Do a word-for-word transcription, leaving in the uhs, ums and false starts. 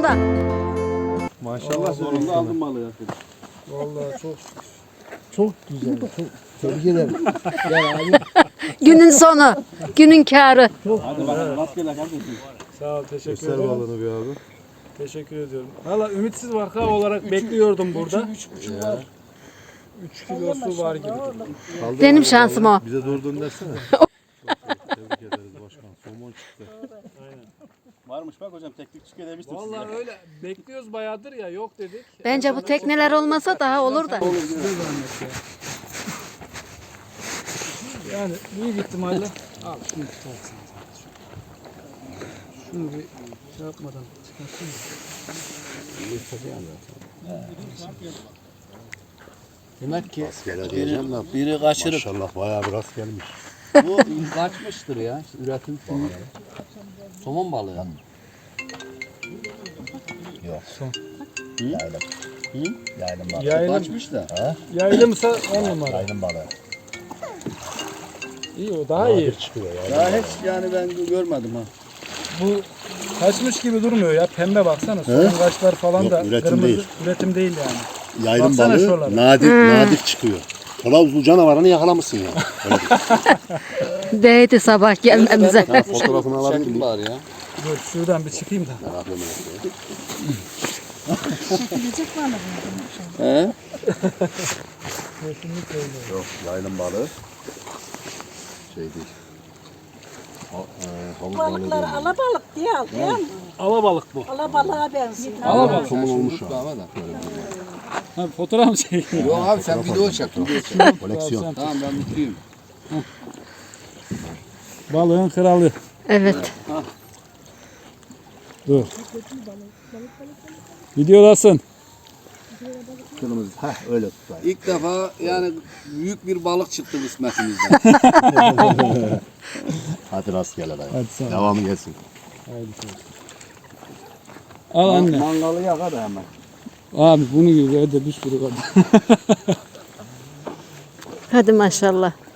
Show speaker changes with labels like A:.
A: maşallah.
B: Maşallah sonunda aldım balığı.
C: Vallahi çok çok güzel. Çok tebrik ederim. Yani abi
A: Günün sonu, günün kârı.
B: Hadi bakalım rastgele kardeşim.
C: sağ ol, teşekkür
D: Göster
C: ederim.
D: balığını bir abi.
C: Teşekkür ediyorum. Valla ümitsiz vaka olarak bekliyordum burada.
E: üç buçuk var.
C: üç kilosu var gibi.
D: Kaldır
A: Benim
D: abi
A: şansım
D: balığı.
A: o.
D: Bize doğru döndürsene. Çok tebrik ederiz başkan. Somon çıktı.
B: Varmış bak hocam teknik çıkıyor demiştim size.
C: Vallahi öyle bekliyoruz bayağıdır ya yok dedik.
A: Bence bu tekneler olmasa daha olur da.
C: Yani büyük ihtimalle al şunu tutarsın. Şunu bir şey yapmadan çıkarsın.
E: Demek ki
D: Rastgele diyeceğim de.
E: biri kaçırıp
D: Maşallah bayağı bir rast gelmiş.
E: bu kaçmıştır ya. Üretim somon. Somon balığı.
F: Yok.
C: Son.
F: Yaylım.
E: Hı?
F: Yaylım balığı.
C: Yaylım,
E: Kaçmış da.
F: Ha?
C: yaylımsa on numara.
F: Yaylım balığı.
C: İyi o daha iyi.
D: Çıkıyor ya.
E: Daha hiç yani ben görmedim ha.
C: Bu kaçmış gibi durmuyor ya. Pembe baksana. Son kaşlar falan
D: Yok,
C: da
D: üretim
C: kırmızı.
D: değil.
C: Üretim değil yani.
D: Yaylım
C: Baksana
D: balığı
C: şuralara.
D: nadir nadir çıkıyor. Tolavuzlu canavarını yakalamışsın ya. Öyle değil.
A: Değdi sabah gelmemize.
D: Ha, fotoğrafını alabilir
E: Şekil
D: miyim?
E: var ya.
C: Dur şuradan bir çıkayım da.
D: Meraklı meraklı.
E: He?
C: Kesinlikle öyle.
D: Yok yaylım balığı. Şey değil. Ha, e, havuz balığı değil.
G: Balıkları alabalık diye al değil mi?
C: Alabalık bu.
G: Alabalığa benziyor.
C: Alabalık.
D: Somun olmuş ya.
E: Ama da.
C: Ha, fotoğraf mı çekiyor?
E: Yok abi sen video çek. Video çek.
D: Koleksiyon.
E: Tamam ben mutluyum.
C: Balığın kralı.
A: Evet.
C: Dur. Videodasın.
D: Kırmızı. Heh öyle tutayım.
E: İlk defa yani büyük bir balık çıktı kısmetimizden.
D: Hadi rastgele dayı.
C: Hadi sağ ol.
D: Devamı gelsin.
C: Al anne.
E: Mangalı yakar da hemen.
C: Abi bunu gibi evde bir sürü var.
A: Hadi maşallah.